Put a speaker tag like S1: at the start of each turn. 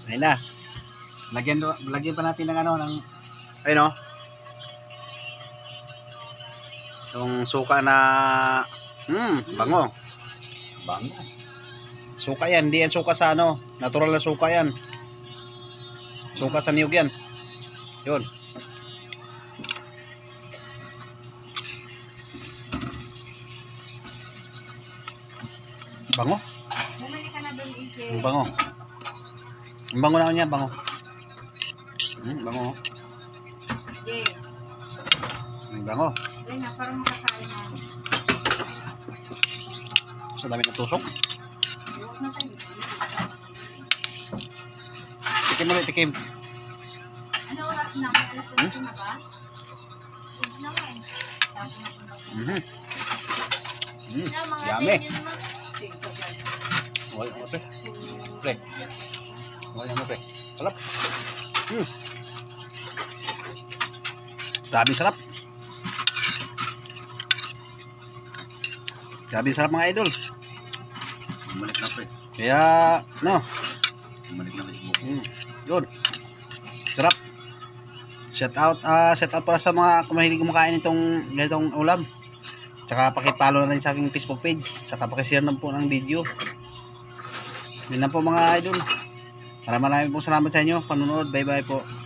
S1: Ayun na. Lagyan pa natin ng ano, ng ayun, oh. Yung suka na bango.
S2: Bango.
S1: Suka yan, hindi yan suka sa ano, natural na suka yan. Suka sa niyog yan. Yun. Bango.
S3: Bumalik ka na doon, Ike.
S1: Ang bango. Ang bango na niya, bango. Bango.
S3: Jay.
S1: Ang bango.
S3: Ayun na, parang makakain na.
S1: Sa dami ng tusok.
S3: Huwag na tayo.
S1: Tikim ulit, tikim.
S3: Ano oras na? May alas 8 na ba? Huwag na nga eh. Tapos na kung bakit.
S1: Yummy. Wala mo, pre. Pre. Wala mo, pre. Sarap. Grabe sarap. Grabe sarap mga idol.
S2: Bumalik na, pre.
S1: Kaya, no.
S2: Bumalik na Facebook.
S1: Yun. Sarap. Shout out para sa mga kumahilig kumakain itong ganitong ulam. Tsaka pakipollow na rin sa aking Facebook page. Tsaka pakishare na po ng video. Yun lang po mga idol. Maraming pong salamat sa inyo. Panunood. Bye bye po.